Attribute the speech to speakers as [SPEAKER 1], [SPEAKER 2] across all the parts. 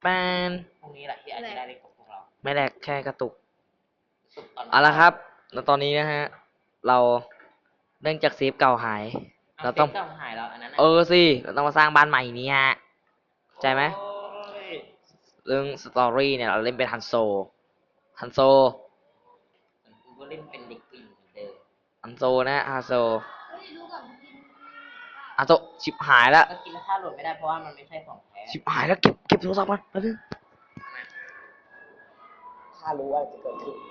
[SPEAKER 1] ป้น
[SPEAKER 2] พรุ่งนี้แหละที่อาจจะได้เล่นกับพวกเรา
[SPEAKER 1] ไม่แลกแค่กระตุก
[SPEAKER 2] ตอน
[SPEAKER 1] เอาละครับแล้วตอนนี้นะฮะเราเนื่องจากเซฟเก่าหายเราต้อง
[SPEAKER 2] หายแล้วอันนั้น
[SPEAKER 1] สิเราต้องมาสร้างบ้านใหม่นี้ฮะใจไหมเรื่องสตอรี่เนี่ยเราเล่นเป็นฮันโซ
[SPEAKER 2] กูก็เล่นเป็นเด็กผู้หญิงเหมือนเดิม
[SPEAKER 1] ฮันโซนะฮันโซฮันโซชิบหายแล้ว
[SPEAKER 2] ก็กินแล้วค่าโหลดไม่ได้เพราะว่ามันไม่ใช่ของแท้
[SPEAKER 1] ชิบหายแล้วเก็บโทรศัพท์มันแล้วนึง
[SPEAKER 2] ข้ารู้ว่าจะเกิดขึ้น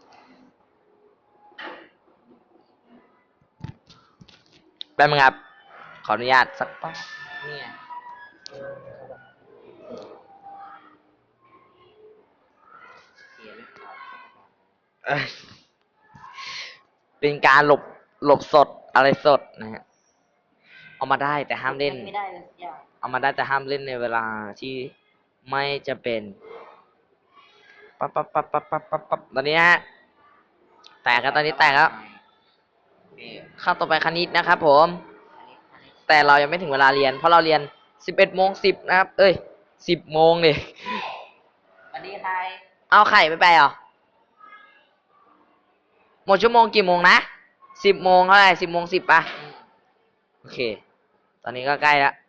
[SPEAKER 1] แป๊บนึงครับขออนุญาตสักแป๊บ
[SPEAKER 2] เนี่ยเสียไม่ขาด
[SPEAKER 1] เอ้ยเป็นการหลบสดอะไรสดนะฮะเอามาได้แต่ห้ามเล่น
[SPEAKER 2] ไม่ได้เลยสักอย่าง
[SPEAKER 1] เอามาได้แต่ห้ามเล่นในเวลาที่ไม่จะเป็นปั๊บตอนนี้ฮะแตกแล้วตอนนี้แตกแล้วเข้าต่อไปคณิตนะครับผมแต่เรายังไม่ถึงเวลาเรียนเพราะเราเรียน11:10นะครับเอ้ย10 โมงเลย
[SPEAKER 2] สวัสดีใคร
[SPEAKER 1] เอาไข่ไปเหรอหมดชั่วโมงกี่โมงนะ10 โมงเท่าไหร่10:10ป่ะโอเคตอนนี้ก็ใกล้แล้ว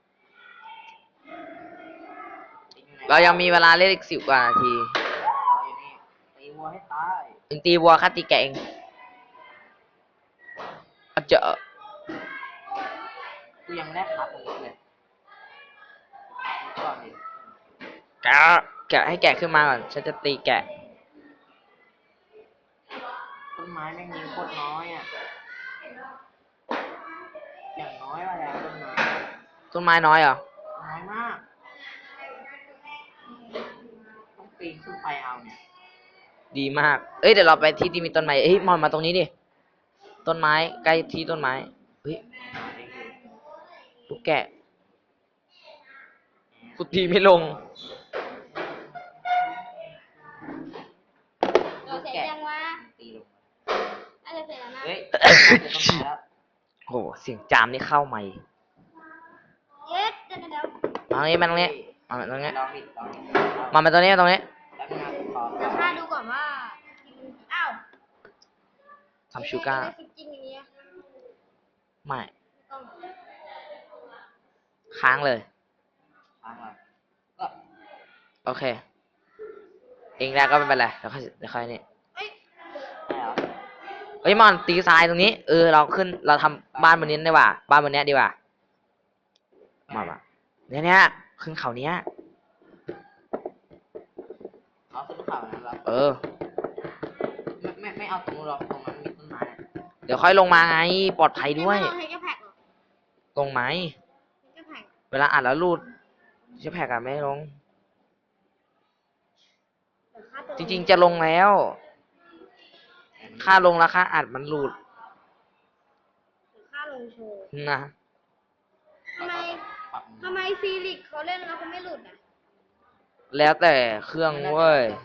[SPEAKER 1] เรายังมีเวลาเล่นอีก10 กว่านาที
[SPEAKER 2] อยู่นี่ตีวัวให้ตาย
[SPEAKER 1] ตีวัวค่าตีแกะเองเจอ
[SPEAKER 2] กูยังไม่ได้ขาตรงนี้เลยก่อนดิ
[SPEAKER 1] แกะให้แกะขึ้นมาก่อนฉันจะตีแกะ
[SPEAKER 2] ต้นไม้แม่งมีโคตรน้อยอ่ะอย่างน้อยว่าแล้ว
[SPEAKER 1] ต้นไม้น้อยเหรอ
[SPEAKER 2] น้อยมากต้องปีนขึ้นไปเอาเนี่ย
[SPEAKER 1] ดีมากเอ้ยเดี๋ยวเราไปที่มีต้นไม้เอ้ยมอนมาตรงนี้ดิต้นไม้ใกล้ที่ต้นไม้เฮ้ยลูกแกะกูตีไม่ลง
[SPEAKER 3] เราเสร็จยังวะ
[SPEAKER 2] ตีลง
[SPEAKER 3] น่าจะเสร็จแล้วนะ
[SPEAKER 2] เฮ้ยต้นไม้แล้ว
[SPEAKER 1] โหเสียงจามนี่เข้าใหม่
[SPEAKER 3] เย็ดเดี๋ยว
[SPEAKER 1] มาตรงนี้มาตรงนี้มาตรงนี้
[SPEAKER 2] ลองดิ
[SPEAKER 1] มาตรงนี้ตรงนี้
[SPEAKER 2] แล้วงานขอ
[SPEAKER 3] เดี๋ยวข้าดูก่อนว่าอ้าว
[SPEAKER 1] ทำชูการ์
[SPEAKER 3] จริงอย่างเงี้ย
[SPEAKER 1] ไม่
[SPEAKER 3] ต้อง
[SPEAKER 1] ค้างเลย
[SPEAKER 2] ฟังก่อนก็
[SPEAKER 1] โอเคเองแล้วก็ไม่เป็นไรเดี๋ยวค่อยนี่
[SPEAKER 3] เอ้ย
[SPEAKER 2] ได้เหรอ
[SPEAKER 1] เฮ้ยมอนตีทรายตรงนี้เราขึ้นเราทำบ้านบนนี้ดีกว่าบ้านบนนี้ดีกว่ามาเนี่ยขึ้นเขาเนี้ย
[SPEAKER 2] เอาขึ้นเขานั้นเหรอไม่เอาตรงนู้นหรอกตรงนั้นมีต้นไม้
[SPEAKER 1] เดี๋ยวค่อยลงมาไงปลอดภัยด้วย
[SPEAKER 3] ไม่ลงเฮกแพ็กหรอ
[SPEAKER 1] ลงไหม
[SPEAKER 3] เฮกแพ็ก
[SPEAKER 1] เวลาอัดแล้วรูดจะแพ็กอะไม่ลงจริงๆจะลงแล้วค่าลงแล้วค่าอัดมันรูด
[SPEAKER 3] ค่าลงโชว์
[SPEAKER 1] นะ
[SPEAKER 3] ทำไมซีริกเขาเล่นแล้วเขาไม่หลุดอ่ะ
[SPEAKER 1] แล้วแต่เครื่องเว้ย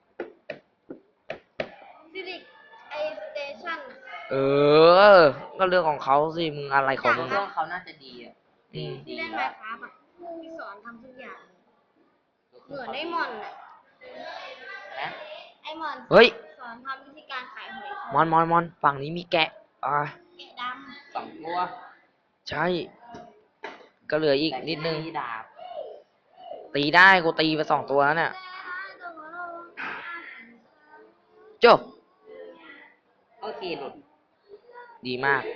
[SPEAKER 3] ซีริกไอสเตชัน
[SPEAKER 1] ก็เรื่องของเขาสิมึงอะไรของมึง
[SPEAKER 2] เครื่องเขาน่าจะดีอ่ะ
[SPEAKER 3] ที่เล่นไมค์ครับอ่ะที่สอนทำทุกอย่างเหมือนไอมอนอ่ะ
[SPEAKER 2] นะ
[SPEAKER 3] ไอมอน
[SPEAKER 1] เฮ้ย
[SPEAKER 3] สอนทำวิธีการขายหอย
[SPEAKER 1] มอนฝั่งนี้มีแกะ
[SPEAKER 3] แกะด
[SPEAKER 2] ำ2 ตัว
[SPEAKER 1] ใช่ก็เหลืออีกนิดนึง
[SPEAKER 2] ดาบ
[SPEAKER 1] ตีได้กูตีไป2 ตัวแล้วเนี่ยจบ
[SPEAKER 2] โอเคหลุด
[SPEAKER 1] ดีมาก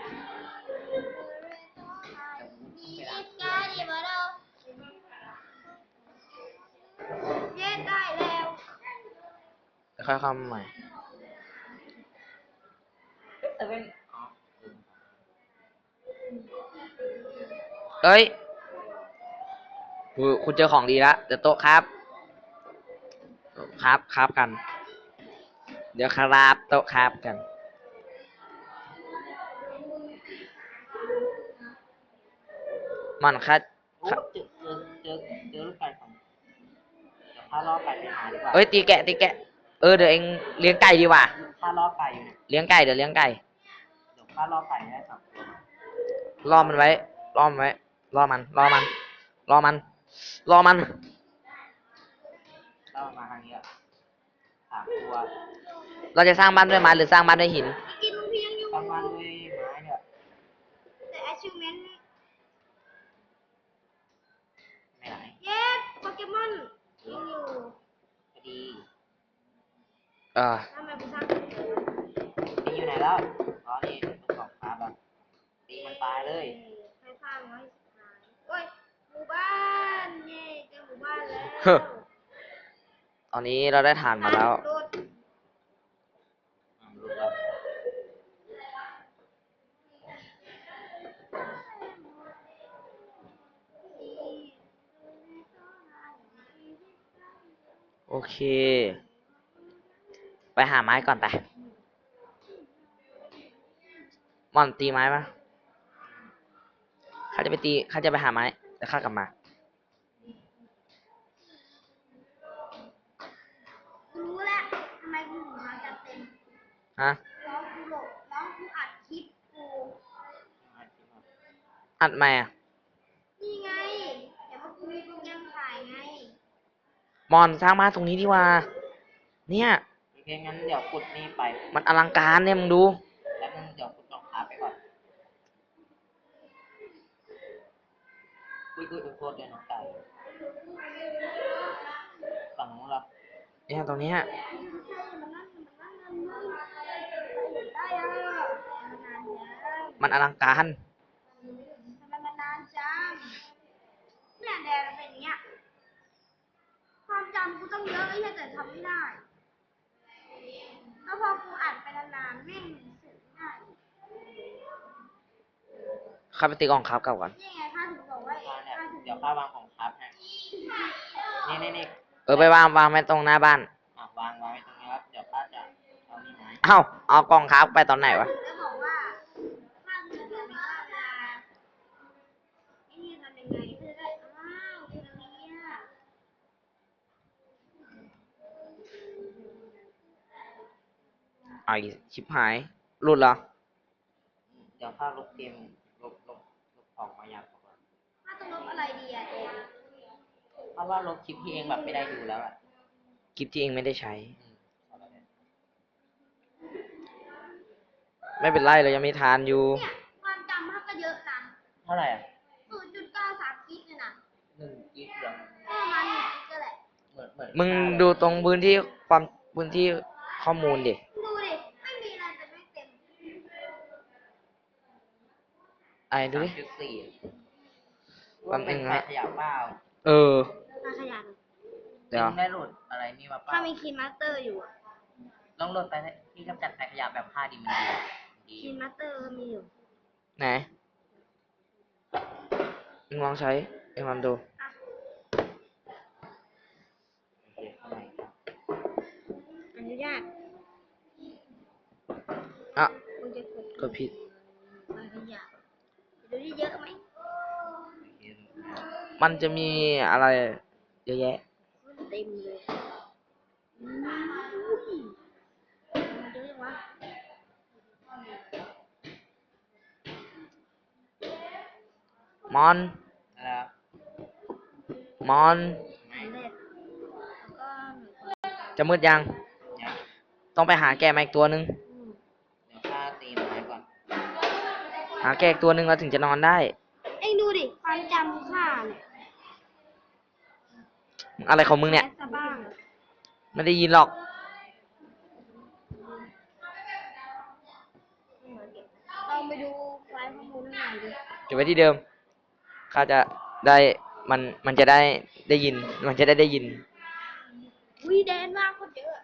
[SPEAKER 3] เย็ดได้แล้ว
[SPEAKER 1] ค่อยเข้ามาใหม่เอ้ยคุณเจอของดีแล้วเดี๋ยวโต๊ะครับกันเดี๋ยวครับโต๊ะครับกันมันคัด
[SPEAKER 2] เจอลูกไก่ของเดี๋ยวพาล่อไก่ไปหาดีกว่า
[SPEAKER 1] เอ้ยตีแกะเดี๋ยวเองเลี้ยงไก่ดีกว่า
[SPEAKER 2] พาล่อไก่อยู่เนี่ย
[SPEAKER 1] เลี้ยงไก่เดี๋ยวเลี้ยงไก่
[SPEAKER 2] เดี๋ยวพาล่อไก่ได้2 ตัว
[SPEAKER 1] ล่อมันไว้ล่อมัน
[SPEAKER 2] ามาทางนี้3 ตัว
[SPEAKER 1] เราจะสร้างบ้านด้วยไม้หรือสร้างบ้านด้วยหิน
[SPEAKER 3] กินลุงเพียงอยู่
[SPEAKER 2] ประมาณด้วยไม้เนี่ย
[SPEAKER 3] แต่ achievement
[SPEAKER 2] ไม่ไหน
[SPEAKER 3] เย้โปเกมอนยังอยู่
[SPEAKER 2] ก็ดี
[SPEAKER 3] ทำไมกูสร้างคนเดียววะ
[SPEAKER 2] ตีอยู่ไหนแล้วอ๋อนี่ทดสอบครับอ่ะตีมันตายเลย
[SPEAKER 3] ใครสร้างไว้สุดท้ายโอ้ยหมู่บ้านเย้เจอหมู่บ้านแล้ว
[SPEAKER 1] เฮ้อ ตอนนี้เราได้ฐานมาแล้ว
[SPEAKER 3] โดด
[SPEAKER 2] รู้แล้ว
[SPEAKER 1] โอเค ไปหาไม้ก่อนไปม่อนตีไม้ปะข้าจะไปตีข้าจะไปหาไม้แล้วข้ากลับมา
[SPEAKER 3] กูรู้แล้วทำไมกูถึงมาจัดเต็ม
[SPEAKER 1] ฮะ
[SPEAKER 3] ร้องกูหลบร้องกูอัดคลิปกู
[SPEAKER 1] อัดไหมอ่ะ
[SPEAKER 3] นี่ไงแต่ว่ากูมีโปรแกรมถ่ายไง
[SPEAKER 1] มอนสร้างบ้านตรงนี้ดีกว่า เนี่ย
[SPEAKER 2] โอเคงั้นเดี๋ยวขุดนี่ไป
[SPEAKER 1] มันอลังการเนี่ยมึงดู
[SPEAKER 2] แล้วนึงเดี๋ยวขุดรองเท้าไปก่อนอุ้ยโทษด้วยน้องไก่ฝั่งนู้นเหรอ
[SPEAKER 1] เนี่ยตรงเนี้ย
[SPEAKER 3] ได้อะมันนานจัง
[SPEAKER 1] มันอลังการ
[SPEAKER 3] ทำไมมันนานจังเนี่ยแดนเป็นอย่างเงี้ยความจำกูต้องเยอะไอ้เหี้ยแต่ทำไม่ได้แล้วพอกูอัดไปนานๆแม่งเสร็จไม่ได้
[SPEAKER 1] ข้าไปตีกล่องครับกลับก่อน
[SPEAKER 3] นี่ไงข้าถึงบอกว่า
[SPEAKER 2] มาเนี่ย
[SPEAKER 3] ข้าถึง
[SPEAKER 2] เดี๋ยวข้าวางของครับให้นี่
[SPEAKER 1] ไปวางไว้ตรงหน้าบ้าน
[SPEAKER 2] วางไว้ตรงนี้ครับเดี๋ยวข้าจะเอานี่ไม้
[SPEAKER 1] เอ้า เอากล่องครับไปตอนไหนวะ
[SPEAKER 3] แล้วบอกว่าข้าถึงจะไม่ว่าเวลาไอ้นี่ทำยังไงคือได้อ้าวคือตรงนี้อะ
[SPEAKER 1] ไอ้ชิบหาย หลุดเหรอ
[SPEAKER 2] เดี๋ยวข้าลบเกมลบของมาอย่างก่อน
[SPEAKER 3] ข้าต้องลบอะไรดีอะเอง
[SPEAKER 2] เพราะว่าลบคลิปที่เองแบบไม่ได้ดูแล้วอ่ะ
[SPEAKER 1] คลิปที่เองไม่ได้ใช้
[SPEAKER 2] เอาละเนี่ย
[SPEAKER 1] ไม่เป็นไรเรายังมีทานอยู่
[SPEAKER 3] เนี่ยความจำข้าก็เยอะนะ
[SPEAKER 2] เท่าไหร่อ่ะ
[SPEAKER 3] 0.93กิกเลยนะ
[SPEAKER 2] 1 กิกเหรอ
[SPEAKER 3] ก็ประมาณ1กิกก็แหละ
[SPEAKER 2] เหมือน
[SPEAKER 1] มึงดูตรงพื้นที่ข้อมูลดิ
[SPEAKER 3] ดูดิ ไม่มีอะไรแต่ไม่เต็ม
[SPEAKER 1] ไอ้ดูดิ
[SPEAKER 2] 3.4
[SPEAKER 1] แป๊บนึงนะ
[SPEAKER 2] ขยับเปล่า
[SPEAKER 1] เออ
[SPEAKER 3] มาขยัน
[SPEAKER 1] เดี๋ยว
[SPEAKER 2] มึงได้โหลดอะไรนี่มาเปล่า
[SPEAKER 3] ถ้ามีคีนมาสเตอร์อยู่อะ
[SPEAKER 2] ลองโหลดไปที่กำจัดไฟขยะแบบ5ดีมันดี
[SPEAKER 3] คีนมาสเตอร์ก็มีอยู่
[SPEAKER 1] ไหน มึงลองใช้ เอ็งลองดู
[SPEAKER 3] อ่ะ
[SPEAKER 2] โอเคเข้ามาอีกครับ
[SPEAKER 3] อนุญาต
[SPEAKER 1] อ่ะ
[SPEAKER 3] คุณจะกด
[SPEAKER 1] กดผิด
[SPEAKER 3] มาขยันดูที่เยอะไหม
[SPEAKER 2] โอเค
[SPEAKER 1] มันจะมีอะไรเยอะแยะ
[SPEAKER 3] เต็มเลยอุ้ยมันเยอะจังวะ
[SPEAKER 1] มอน
[SPEAKER 2] แล้ว
[SPEAKER 1] มอน
[SPEAKER 2] ไม่
[SPEAKER 3] สำเร็จแล้วก็หนูก็
[SPEAKER 1] จะมืดยัง
[SPEAKER 2] ยัง
[SPEAKER 1] ต้องไปหาแกะมาอีกตัวหนึ่ง
[SPEAKER 2] เดี๋ยวข้าตีไม้ก่อน
[SPEAKER 1] หาแกะอีกตัวหนึ่งเราถึงจะนอนได้
[SPEAKER 3] เอ็งดูดิ ความจำข้าเนี่ย
[SPEAKER 1] อะไรของมึงเนี่ย
[SPEAKER 3] แสบ้าง
[SPEAKER 1] ไม่ได้ยินหรอก
[SPEAKER 3] ลองไปดูไฟล์ข้อมูลข้างในดิ
[SPEAKER 1] เก็บไว้ที่เดิม ข้าจะได้มันจะได้ยิน มันจะได้ยิน
[SPEAKER 3] วิแดนมากโคตรเยอะ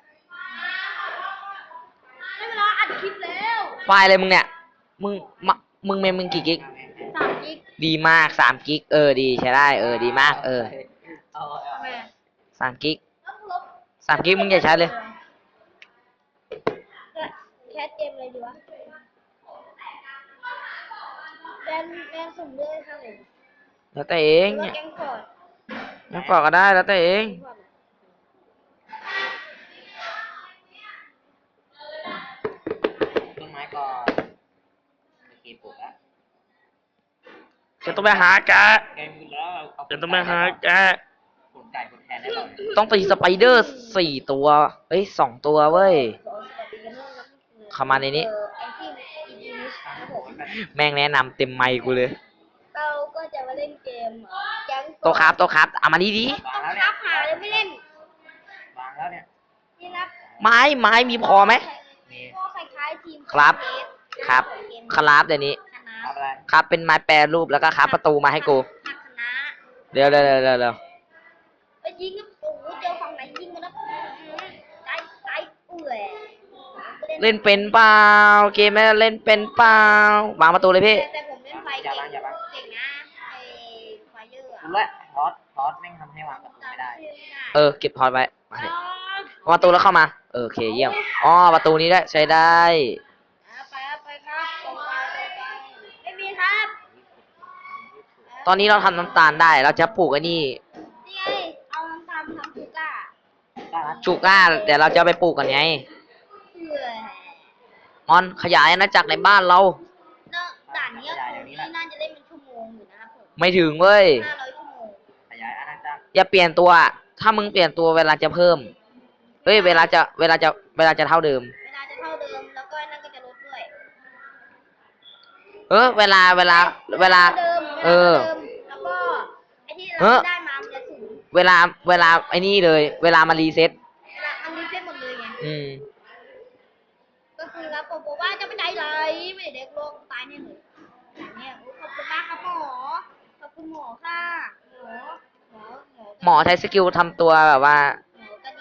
[SPEAKER 3] ได้เวลาอัดคลิปแล้ว
[SPEAKER 1] ไฟล์อะไรมึงเนี่ย มึงมะมึงเมมมึงกี่กิก
[SPEAKER 3] 3 กิก
[SPEAKER 1] ดีมาก3 กิก ดีใช้ได้ ดีมาก
[SPEAKER 2] เอา
[SPEAKER 3] ทำไมอะ
[SPEAKER 1] 3 กิก
[SPEAKER 3] ลบ
[SPEAKER 1] 3 กิกมึงอย่าใช้เลย
[SPEAKER 3] แคสเกมอะไรดีวะแดนสุ่มเลือดข้างไหน
[SPEAKER 1] แล้วแต่เอ
[SPEAKER 3] ห
[SPEAKER 1] ง
[SPEAKER 3] รือว่า
[SPEAKER 1] เนี่ย
[SPEAKER 3] แกงฟอร์ด
[SPEAKER 1] ยังปอกก็ได้ แล้วแต่เอง
[SPEAKER 3] แกงฟอร์ดอะ
[SPEAKER 2] ต้นไม้ก่อนโอเคปลูกแล้ว
[SPEAKER 1] จะต้องไปหาแกะ
[SPEAKER 2] แกมีแล้วเอา
[SPEAKER 1] จะต้องไปหาแกะ
[SPEAKER 2] ผมไก่คนแทนได้ป่ะ
[SPEAKER 1] ต้องตีสไปเดอร์4 ตัวเอ้ย2 ตัวเว้ย เข้ามาในนี้
[SPEAKER 3] ไอที่อีพีนี้ครับผม
[SPEAKER 1] แม่งแนะนำเต็มไมค์กูเลย
[SPEAKER 3] เราก็จะมาเล่นเกมแก๊ง
[SPEAKER 1] โตครับโตครับเอามานี่ดิ
[SPEAKER 3] ต้องครับหาเลยไม่เล่น
[SPEAKER 2] วางแล้วเนี่ย
[SPEAKER 3] นี่นะ
[SPEAKER 1] ไม้มีพอไหม
[SPEAKER 2] มี
[SPEAKER 3] ก็คล้ายๆทีม
[SPEAKER 1] ครับ
[SPEAKER 3] เกม
[SPEAKER 1] ครับ
[SPEAKER 3] เกม
[SPEAKER 1] ครับเดี๋ยวนี้
[SPEAKER 3] คณะ
[SPEAKER 2] ทำอะไร
[SPEAKER 1] ครับเป็นไม้แปรรูปแล้วก็ครับประตูมาให้กู
[SPEAKER 3] คณะ
[SPEAKER 1] เดี๋ยว
[SPEAKER 3] ไปยิงก็โอ้โหเจอฝั่งไหนยิงกันนะใจเอื่อย
[SPEAKER 1] เล่นเป็นเปล่าเกมไม่เล่นเป็นเปล่าวางประตูเลยพี่
[SPEAKER 3] แต่ผมเล่นไฟเก่งเก่งนะไอ้ไฟเยอร์
[SPEAKER 2] คุณ
[SPEAKER 3] อะ
[SPEAKER 2] ละทอสแม่งทำให้วางประตูไม่ได้
[SPEAKER 1] เก็บพอร์ตไว้มาดิเอาประตูแล้วเข้ามาโอเคเยี่ยมอ๋อประตูนี้ได้ใช้ได้
[SPEAKER 3] ไปครับตรงไปไม่มีครับ
[SPEAKER 1] ตอนนี้เราทำน้ำตาลได้เราจะปลูกไอ้นี่
[SPEAKER 3] นี่ไงเอาน้ำตาลทำชูก้า
[SPEAKER 1] ชูก้าเดี๋ยวเราจะเอาไปปลูกกันไง
[SPEAKER 3] เอื่อย
[SPEAKER 1] มอนขยายอาณาจักรในบ้านเรา
[SPEAKER 3] เนอะด่านนี้นี่น่าจะเล่นเป็นชั่วโมงอยู่นะครับผม
[SPEAKER 1] ไม่ถึงเว้ย
[SPEAKER 3] 500 ชั่วโมง
[SPEAKER 2] ขยายอาณาจักร
[SPEAKER 1] อย่าเปลี่ยนตัว ถ้ามึงเปลี่ยนตัวเวลาจะเพิ่มเฮ้ยเวลาจะเท่าเดิม
[SPEAKER 3] เวลาจะเท่าเดิมแล้วก็นั่นก็จะลดด้วย
[SPEAKER 1] เวลา
[SPEAKER 3] เดิม แล้วก็ไอ้ที่เราได้มามันจะสูง
[SPEAKER 1] เวลาไอ้นี่เลย เวลามารีเซ็ต
[SPEAKER 3] เวลามันรีเซ็ตหมดเลยไง ก็คือครับผมบอกว่าจะไม่ใจไหลไม่ได้เด็กโลกตายแน่เลยอย่างเนี้ยขอบคุณมากครับหมอ ขอบคุณหมอค่ะหมอ
[SPEAKER 1] หมอใช้สกิลทำตัวแบบว่า
[SPEAKER 3] หมอก็ดี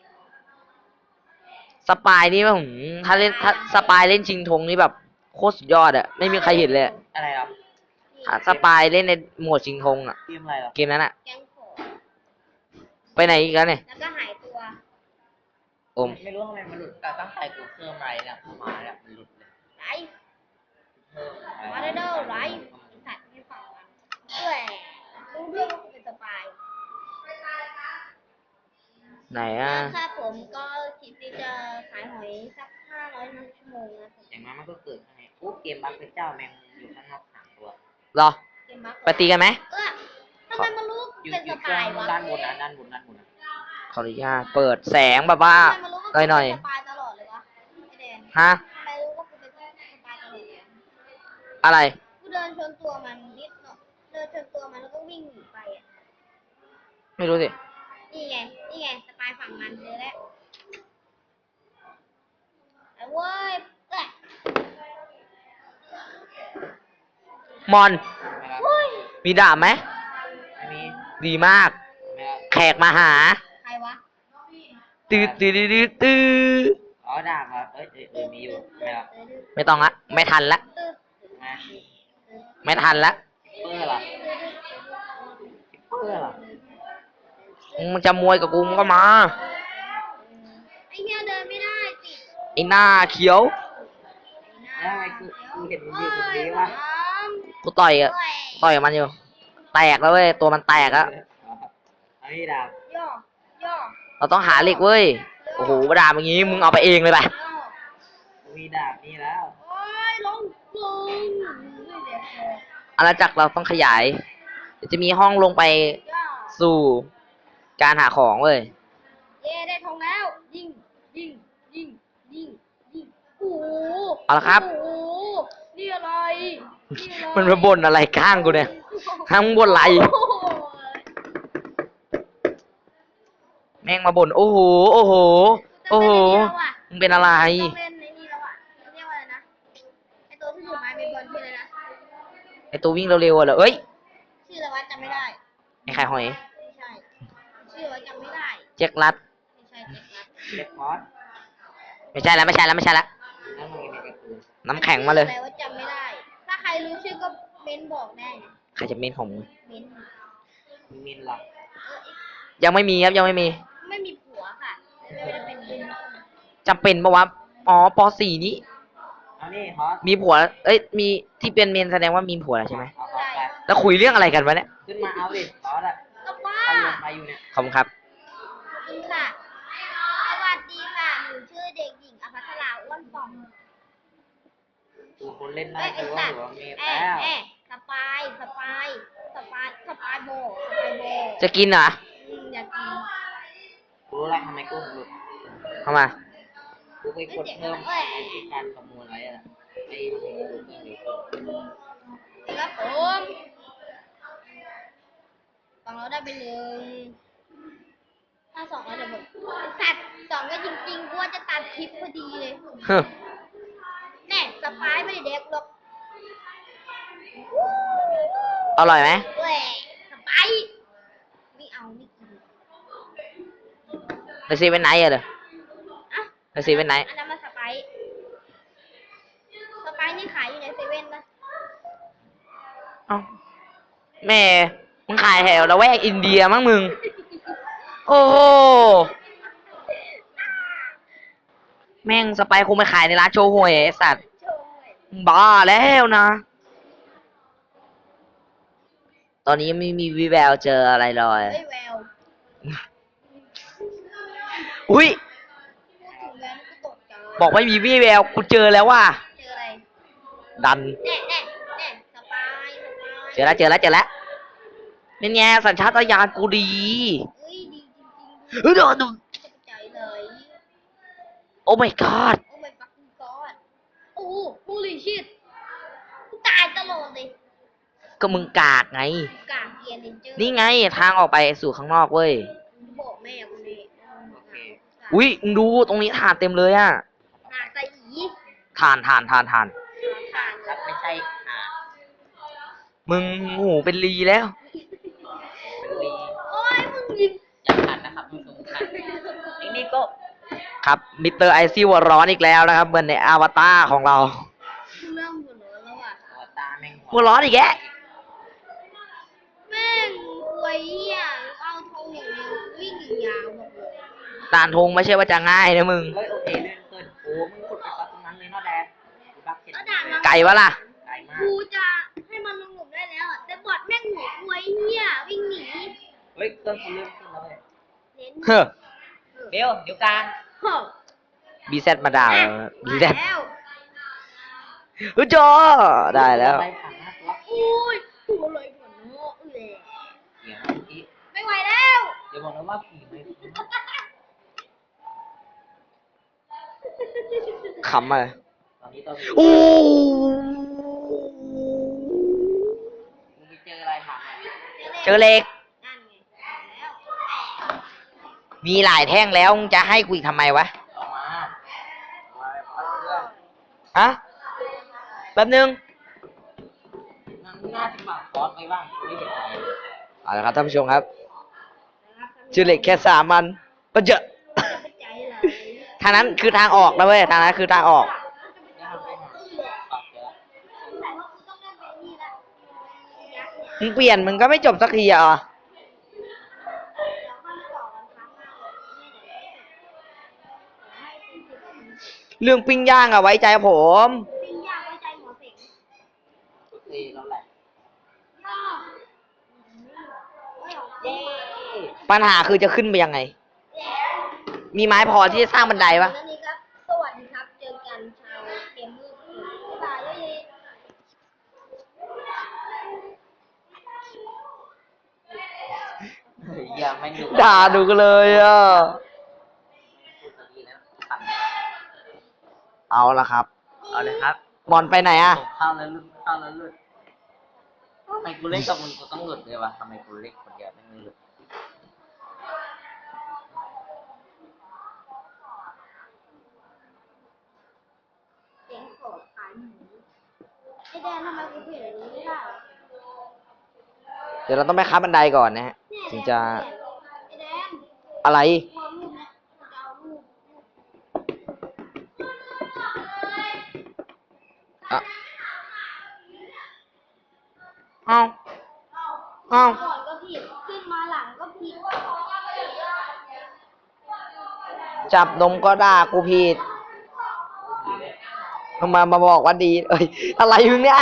[SPEAKER 1] สปายนี่ผมถ้าสปายเล่นชิงธงนี่แบบโคตรสุดยอดอะไม่มีใครเห็นเลยอะ
[SPEAKER 2] อะไรครับ
[SPEAKER 1] ถ้าสปายเล่นในโหมดชิงธงอะ
[SPEAKER 2] เกมอะไรหรอ
[SPEAKER 1] เกมนั้นอะ
[SPEAKER 3] แกงขอ
[SPEAKER 1] ไปไหนอีกแล้วเนี่ย
[SPEAKER 3] แล้วก็หายตัว
[SPEAKER 1] อม
[SPEAKER 2] ไม่รู้ทำไมมันหลุดแต่ตั้งใจกูเพิ่มอะไรเนี่ยเข้ามาเนี่ยมันหลุดเลย
[SPEAKER 3] ไร
[SPEAKER 2] เพิ่มอะไร
[SPEAKER 3] มาเด้อไรสัตว์ไม่ฟังอ่ะเอ้ยรู้เรื่องว่าเป็นสปาย
[SPEAKER 1] ไหนอะ
[SPEAKER 3] ครับผมก็คลิปนี้จะขายหอยสัก500 ชั่วโมงนะผม
[SPEAKER 2] อย่างนั้นมันก็เกิดข้างในโอ้เกมบัคเป็นเจ้าแมงอยู่ข้างนอก3 ตัว
[SPEAKER 1] รอ
[SPEAKER 3] เกมบัค
[SPEAKER 1] ไปตีกันไหม
[SPEAKER 3] ทำไมมันรู้
[SPEAKER 2] อยู่
[SPEAKER 3] เป็น
[SPEAKER 2] อยู่
[SPEAKER 3] ส
[SPEAKER 2] เครื่
[SPEAKER 3] ปา
[SPEAKER 2] อย ง
[SPEAKER 3] วะ
[SPEAKER 2] ด้านบนนะด้านบนนะ
[SPEAKER 1] ขออนุญาตเปิดแสงแบบว่า
[SPEAKER 3] ทำไมมันรู้ว่า
[SPEAKER 1] หน่อย
[SPEAKER 3] เป็นสปายตลอดเลยวะไอแดน
[SPEAKER 1] ๆฮะ
[SPEAKER 3] ทำไมรู้ว่ากูเป็นสปายตลอดเลยอะ
[SPEAKER 1] อะไร
[SPEAKER 3] กูเดินชนตัวมันนิดเนาะเดินชนตัวมันแล้วก็วิ่งหนีไปอ่ะ
[SPEAKER 1] ไม่รู้สิ
[SPEAKER 3] นี่ไงสปายฝั่งมันเลยแหละไอ้เว้ยแหละ
[SPEAKER 1] มอน
[SPEAKER 2] ไม่รับ
[SPEAKER 3] เฮ้ย
[SPEAKER 1] มีดาบไหม
[SPEAKER 2] ไม่มี
[SPEAKER 1] ดีมาก
[SPEAKER 2] ไม่รับ
[SPEAKER 1] แขกมาหา
[SPEAKER 3] ใครวะ
[SPEAKER 1] ตื้อ
[SPEAKER 2] อ๋อดาบครับมีอยู่ไม่รับ
[SPEAKER 1] ไม่ต้องละไม่ทันละ
[SPEAKER 3] ตึ๊ด
[SPEAKER 2] นะ
[SPEAKER 1] ไม่ทันละ
[SPEAKER 2] เปอร์เหรอเปอร์เหรอ
[SPEAKER 1] มึงจะมวยกับกูมึงก็มา
[SPEAKER 3] ไอ้เหี้ยเดินไม่ได้ติด
[SPEAKER 1] ไอ้หน้าเขียว
[SPEAKER 2] แล้วทำไมกูเห็นมันอยู่ตรงนี้วะ
[SPEAKER 1] กูต่อยกับมันอยู่ แตกแล้วเว้ยตัวมันแตกแล้ว
[SPEAKER 2] อันนี้ดาบ
[SPEAKER 3] ย่อย่อ
[SPEAKER 1] เราต้องหาเหล็กเว้ยโอ้โหดาบอย่างงี้มึงเอาไปเองเลยไป
[SPEAKER 3] ย่อ
[SPEAKER 2] มีดาบนี่แล้ว
[SPEAKER 3] โอ้ยลงไม่เด็กเลย
[SPEAKER 1] อาณาจักรเราต้องขยายเดี๋ยวจะมีห้องลงไป
[SPEAKER 3] ย่อ
[SPEAKER 1] สู่การหาของเว้ย
[SPEAKER 3] เย่ได้ทองแล้ว ยิงโอ้โห
[SPEAKER 1] เอาละครับ
[SPEAKER 3] โอ้โหนี่อะไรนี่อะไร
[SPEAKER 1] มันมาบ่นอะไรข้างกูเนี่ยข้างมึงบ่นอะไร
[SPEAKER 3] โอ้โห
[SPEAKER 1] แม่งมาบ่นโอ้โหโอ้โหโอ้โหมึงเป็นอะไร
[SPEAKER 3] ต้องเล่นในนี่แล้วอ่ะเรียกว่าอะไรนะไอตัวที่อยู่ไม้เบสบอลชื่ออะไรนะ
[SPEAKER 1] ไอตัววิ่งเร็วๆอะเหรอเอ้ย
[SPEAKER 3] ชื่ออะไรวะจำไม่ได้
[SPEAKER 1] ไอไข่หอย
[SPEAKER 3] ไม่ใช่ชื่ออะไรจำไม่ได้
[SPEAKER 1] แจ็คลัด
[SPEAKER 3] ไม่ใช่เจ็ดนัด
[SPEAKER 2] เล็กคอร์ส
[SPEAKER 1] ไม่ใช่แล้วไม่ใช่แล้วไม่ใช่แล้ว
[SPEAKER 2] แล้วมึงมีกระตูน
[SPEAKER 1] น้ำแข็งมาเลย
[SPEAKER 3] อะไรว่าจำไม่ได้ ถ้าใครรู้ชื่อก็เม้นบอกได้นะ
[SPEAKER 1] ใครจะเมนของมึง
[SPEAKER 3] เม้น
[SPEAKER 2] มีมินเหรอ
[SPEAKER 1] ยังไม่มีครับยังไม่มี
[SPEAKER 3] ไม่มีผัวค่ะไม่ได้เป็นเม้น
[SPEAKER 1] จำเป็นปะวะอ๋อป .4 นี้
[SPEAKER 2] เอานี่คอร์ส
[SPEAKER 1] มีผัวเอ้ยมีที่เป็นเมนแสดงว่ามีผัวแล้วใช่ไหม
[SPEAKER 2] เอาคอร์สไป
[SPEAKER 1] แล้วคุยเรื่องอะไรกันวะเนี่ย
[SPEAKER 2] ขึ้นมาเอาดิคอร์สอะ
[SPEAKER 3] ก็ว่า
[SPEAKER 2] เขาลงมาอยู่เนี่ย
[SPEAKER 1] ขอบคุณครับ
[SPEAKER 3] ขอบคุณค่ะสวัสดีค่ะหนูชื่อเด็กหญิงอภัสราอ้วนป่อง
[SPEAKER 2] กูคนเล่นได้
[SPEAKER 3] เอ้ยไอ้
[SPEAKER 2] คือ
[SPEAKER 3] สั
[SPEAKER 2] ว่า
[SPEAKER 3] ตว์
[SPEAKER 2] หัวมี
[SPEAKER 3] เอ้
[SPEAKER 2] แล้ว
[SPEAKER 3] สปายโบ
[SPEAKER 1] จะกินเหรอ
[SPEAKER 3] อืมอยากกิน
[SPEAKER 2] กูรู้แล้วทำไมกูถึงหลุด
[SPEAKER 1] เข้ามา
[SPEAKER 2] กูไปกดเพิ่มไอ้การประมวลไว้อะไอ้ทำให้กูหลุดเรื่องเร็วขึ้น
[SPEAKER 3] ครับผมฝั่งเราได้ไปหนึ่งถ้าสองเราจะหมดสัตว์สองก็จริงๆกูว่าจะตัดคลิปพอดีเลย
[SPEAKER 1] ฮึ
[SPEAKER 3] แน่สปายไม่ได้เด็กหรอก
[SPEAKER 1] อร่อยไหม
[SPEAKER 3] แหวสปายไม่เอาไม่กิน
[SPEAKER 1] ไปซีเป็นไหนอะเด้อ
[SPEAKER 3] อ่ะ
[SPEAKER 1] ไปซีเป็นไหน
[SPEAKER 3] อันนั้นมาสไปซ์สไปซ์นี่ขายอยู่ในเซเว่นปะ
[SPEAKER 1] เอ้าแม่มึงขายแถวละแวกอินเดียมั้งมึง โอ้โหแม่งสไปร์คงไปขายในร้านโชห่วยไอ้สัตว์
[SPEAKER 3] โช่วย
[SPEAKER 1] บ้าแล้วนะ ตอนนี้ไม่มีวิแววเจออะไรเลย
[SPEAKER 3] เฮ้ยแวว
[SPEAKER 1] อุ้ย
[SPEAKER 3] พูดถึงแววนี่กูตกใจ
[SPEAKER 1] บอกไม่มีวิแววกูเจอแล้วว่ะ
[SPEAKER 3] เจออะไร
[SPEAKER 1] ดัน
[SPEAKER 3] แน่แน่แน่สปายสปาย
[SPEAKER 1] เจอแล้วเจอแล้วเจอแล้วนี่ไงสัญชาตญาณกูดี
[SPEAKER 3] เฮ้ยดีจริงๆ
[SPEAKER 1] เฮ้ยดู
[SPEAKER 3] ตกใจเลย
[SPEAKER 1] โอ้ my god
[SPEAKER 3] โอ้ my fucking god โอ้โหลิชิตกูตายตลอดเลย
[SPEAKER 1] ก็มึงกากไง
[SPEAKER 3] กากเกียร์เลนเจอร์
[SPEAKER 1] นี่ไงทางออกไปสู่ข้างนอกเว้ย
[SPEAKER 3] บอกแม่กูเลย
[SPEAKER 1] อุ้ยมึงดูตรงนี้ถ่านเต็มเลยอะ
[SPEAKER 3] หาตาอี
[SPEAKER 1] ถ่าน
[SPEAKER 3] ผ่าน
[SPEAKER 2] ครับ
[SPEAKER 3] เลย
[SPEAKER 2] ไม่ใช่
[SPEAKER 1] มึงหูเป็นลีแล้ว
[SPEAKER 2] เป็นลี
[SPEAKER 3] โอ้ยมึงยิง
[SPEAKER 2] อย่าขัดนะครับมึงสงขัดไอ้นี่ก็
[SPEAKER 1] ครับมิสเตอร์ไอซี่หัวร้อนอีกแล้วนะครับ เหมือนในอวตารของเรา
[SPEAKER 3] กูเริ่มหัวร้อนแล้วอ่ะ
[SPEAKER 2] หัวตาแม่ง
[SPEAKER 1] หัวร้อนอีกแก
[SPEAKER 3] แม่งควยเหี้ยเอาธงอย่างเดียววิ่งอย่างยาวบอกเลย
[SPEAKER 1] ด่านธงไม่ใช่ว่าจะง่ายนะมึง
[SPEAKER 2] เฮ้ยโอเคเลื่อนขึ้นโอ้มึงขุดไปปักตรงนั้นเลยเนาะแดนกูบักเห็น
[SPEAKER 3] ก็ด่านมา
[SPEAKER 1] ไก่วะล่ะ
[SPEAKER 2] ไกลมาก
[SPEAKER 3] กูจะให้มันลงหลุมได้แล้วอะแต่บอดแม่งหัวควยเหี้ยวิ่งหนี
[SPEAKER 2] เฮ้ยเครื่องกูเลื่อนขึ้นแล้วเว้ย
[SPEAKER 3] เน้น
[SPEAKER 1] เฮ้อ
[SPEAKER 2] เบลเดี๋ยวกลาง
[SPEAKER 3] เฮ้อ
[SPEAKER 1] บีแซดมาด่าแล้วบี
[SPEAKER 3] มา
[SPEAKER 1] แซด
[SPEAKER 3] แล้ว
[SPEAKER 1] เฮ้ยจอได้แล้ว
[SPEAKER 2] ไปผ่านหน้าตัว
[SPEAKER 3] อุ้ยตัวเลยหัวโน้เอ้ย
[SPEAKER 2] เดี๋ยวนะพี่
[SPEAKER 3] ไม่ไหวแล้ว
[SPEAKER 2] เดี๋ยวบอกนะว่าผีไม่คุ้น
[SPEAKER 1] ขำอะไร
[SPEAKER 2] ตอนนี้ต้อง
[SPEAKER 1] โอ้
[SPEAKER 2] มึงไปเจออะไรถามหน่อย
[SPEAKER 1] เจอเหล็ก
[SPEAKER 3] นั่นไงแล้ว
[SPEAKER 1] มีหลายแท่งแล้วมึงจะให้กูอีกทำไมวะ
[SPEAKER 2] ออกมาปัดเพื่อน
[SPEAKER 1] ฮะ แป๊บนึง
[SPEAKER 2] นั่งหน้าจะปากคอสไปบ้างไม่เห็นอะไรเลย
[SPEAKER 1] เอาละครับท่านผู้ชมครับชื่อเหล็กแค่3 อันก็เจอะ
[SPEAKER 3] ใจเลย
[SPEAKER 1] ทางนั้นคือทางออกนะเว้ย ทางนั้นคือทางออก
[SPEAKER 2] ไม่ทำไม่ทำปากเจอ
[SPEAKER 3] แต่ว่ากูต้องเล่นแบบนี้ละยักษ์เนี่ย
[SPEAKER 1] มึงเปลี่ยนมึงก็ไม่จบสักทีอ่ะ
[SPEAKER 3] เราค่อยมาต่อกันครั้งหน้าเลยเนี่ยเดี๋ยวให้40 นาที
[SPEAKER 1] เรื่องปิ้งย่างอะไว้ใจผม
[SPEAKER 3] ปิ้งย่างไว้ใจหมอเสง
[SPEAKER 2] โอเคแล้วแหละ
[SPEAKER 3] ย่าเฮ้ย
[SPEAKER 2] เย้
[SPEAKER 1] ปัญหาคือจะขึ้นไปยังไง มีไม้พอที่จะสร้างบันไดปะ
[SPEAKER 3] แล้วนี่ครับ สวัสดีครับ เจอกันชาวเกมเมอร์บ๊ายบายเย้
[SPEAKER 2] อย่าไม่ดู
[SPEAKER 1] ด่าดูกันเลยอ่ะ
[SPEAKER 2] พูดดีแล้วสั่น
[SPEAKER 1] เอาละครับ
[SPEAKER 2] เอาเลยครับ
[SPEAKER 1] บอลไปไหนอ่ะ
[SPEAKER 2] ผมเข้าแล้วหลุดเข้าแล้วหลุดทำไมกูเล่นกับมึงกูต้องหลุดเลยวะทำไมกูเล่นคนเดียวไม่หลุด
[SPEAKER 3] เสียงโกรธขายหมูไอแดนทำไมกูเปลี่ยนอย่างนี้ไม่ได้เหรอ
[SPEAKER 1] เดี๋ยวเราต้องไปค้าบันไดก่อนนะฮะ
[SPEAKER 3] เนี่ย
[SPEAKER 1] ถึงจะ
[SPEAKER 3] ไอแดน
[SPEAKER 1] อะไร
[SPEAKER 3] พอรูปเนี่ยกูจะเอารูป
[SPEAKER 1] อ่ะเอาเอา
[SPEAKER 3] ก่อนก็ผิด ขึ้นมาหลังก็ผิด
[SPEAKER 1] จับนมก็ด่ากูผิดมาบอกว่าดี เอ้ย อะไรมึงเนี่ย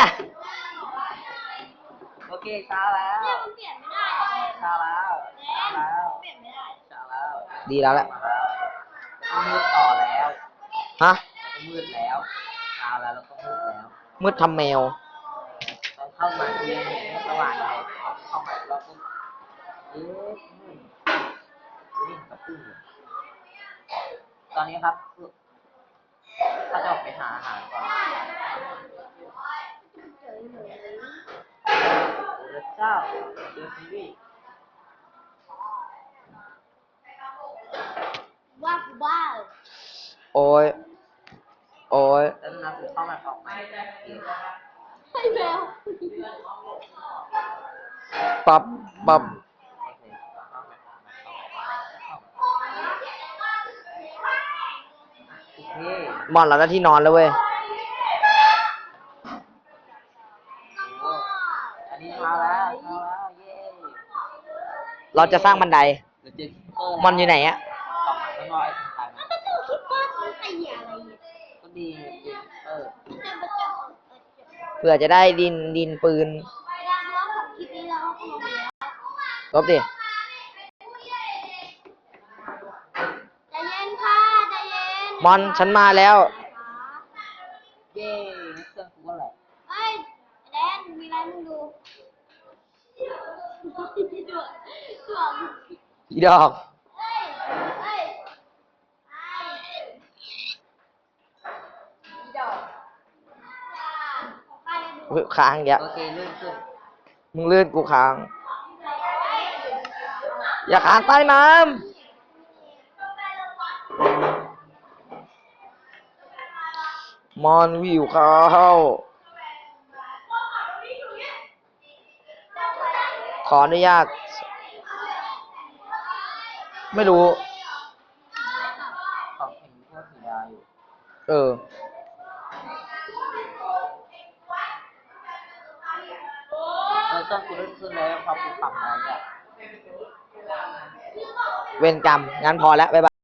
[SPEAKER 2] โอเคช้าแล้ว
[SPEAKER 3] เนี่ยมันเปลี่ยนไม่ได้เลย
[SPEAKER 2] ช้าแล้ว
[SPEAKER 3] แด
[SPEAKER 2] ช้าน แล้ว
[SPEAKER 3] เปลี่ยนไม่ได้
[SPEAKER 2] ช้าแล้ว
[SPEAKER 1] ดีแล้วแหละ
[SPEAKER 2] ก็มืดต่อแล้ว
[SPEAKER 1] ฮะ
[SPEAKER 2] แล้วก็มืดแล้วช้าแล้วแล้วก็มืดแล้ว
[SPEAKER 1] มืดทำแมว
[SPEAKER 2] ตอนเข้ามาคือยังเห็นไม่สว่างเลยเข้ามาแล้วก็เอ๊ะมืดตอนนี้ครับถ้าจะออกไปหาอาหารก่อนโอ้พระเจ้าเจอซีรีส์
[SPEAKER 3] ว่ากูบ้า
[SPEAKER 1] โอ้ยโอ้ย
[SPEAKER 2] แล้วนะกูเข้ามาออกมา
[SPEAKER 3] ให้แมว
[SPEAKER 1] ปรับปรับ
[SPEAKER 2] โอเค
[SPEAKER 1] มอนเราได้ที่นอนแล้วเว้ย
[SPEAKER 2] โอ้อันนี้เช้าแล้วเย้
[SPEAKER 1] เราจะสร้างบันได
[SPEAKER 2] เดี๋ยวเจอคิปเปอร์
[SPEAKER 1] มอนอยู่ไหนอะ
[SPEAKER 2] ออกมาข้างนอกไอ้ทางไทยมัน
[SPEAKER 3] แล้วก็เจอคิปเปอร์ซื้อไอ้เหี้ยอะไรเนี่ย
[SPEAKER 2] ก็ดีเจอคิปเปอร์
[SPEAKER 3] แต่มาเจอ
[SPEAKER 1] เพื่อจะได้ดินปืน
[SPEAKER 3] ร้านร้านของคลิปนี้เราก็ลงไปแล้ว
[SPEAKER 1] ลบดิ
[SPEAKER 3] ใจเย็นค่ะใจเย็น
[SPEAKER 1] มอนฉันมาแล้ว
[SPEAKER 2] เย้ในเครื่องกูก็แหละ
[SPEAKER 3] เอ้ยแดนมีอะไรมึงดูตัวตัว
[SPEAKER 1] อีดอก
[SPEAKER 3] เอ้ยเอ้ยดอกของใครดู
[SPEAKER 1] เฮ้ยค้างเยอะ
[SPEAKER 2] โอเคเลื่อนขึ้น
[SPEAKER 1] มึงลื่นกูค้าง อย่าค้างใต้น้ำมอนวิวเข้า ขออนุญาต ไม่รู้
[SPEAKER 2] ของเห็นพวกสีดาอยู่
[SPEAKER 1] เออ
[SPEAKER 2] เครื่องกูเลื่อนขึ้นแล้วพอกูปรับอะไรอ่ะ
[SPEAKER 1] เวรกรรม งั้นพอแล้ว บ๊ายบาย